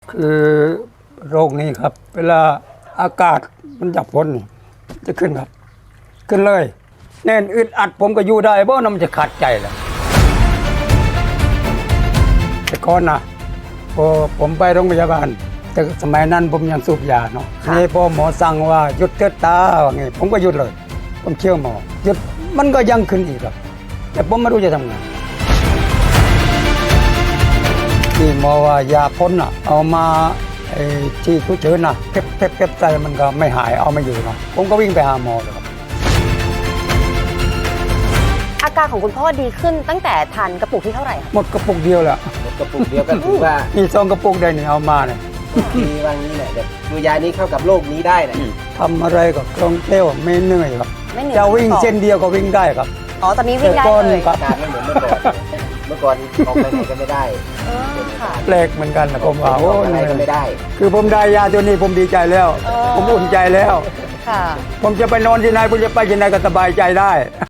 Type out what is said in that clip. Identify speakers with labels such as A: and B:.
A: คือโรคนี้ครับ เวลาอากาศมันจับพ้นนี่จะขึ้นครับ ขึ้นเลยแน่นอึดอัดผมก็อยู่ได้เพราะมันจะขาดใจแหละแต่ก่อนนะพอผมไปโรงพยาบาลแต่สมัยนั้นผมยังสูบยาเนาะนี่พอหมอสั่งว่าหยุดเถิดตาว่าไงผมก็หยุดเลย ผมเชื่อหมอหยุดมันก็ยังขึ้นอีกครับ แต่ผมไม่รู้จะทำไงที่หมอว่ายาพ่นเอามาที่ทุเฉินเก็บใจมันก็ไม่หายเอาไม่อยู่เนาะผมก็วิ่งไปหาหมอเลยครับ
B: อาการของคุณพ่อดีขึ้นตั้งแต่ทานกระปุกที่เท่าไหร่คะ
A: หมดกระปุกเดียวแหละ
C: หมดกระปุกเดียวก็ถือว่า
A: นี่ซองกระปุกได้นี่เอามาเนี่ย
C: ดีว่างี้แหละแบบตัวยานี้เข้ากับโรคนี้ได้แหละ
A: ทำอะไรก็คล่องแคล่วไม่เหนื่อยครับ
B: ไม่เหนื่อย
A: จะวิ่งเส้นเดียวก็วิ่งได้ครับ
B: อ๋อตอนนี้วิ่งได้
A: แต่ก่อน
B: เลย
A: ครับ
C: อาการไม่เหมือนเมื่อก่อนเมื่อก่อนออกไปไหนก็ไม่ได้
B: เออค่ะ
A: แปลกเหมือนกันนะผมว่า
C: อ
A: โอ้
C: อกอะไรก็ไม่ได้
A: คือผมได้ยาตัวนี้ผมดีใจแล้ว ผมอุ่นใจแล้ว
B: ค่ะ
A: ผมจะไปนอนที่ไหนผมจะไปที่ไหนก็สบายใจได้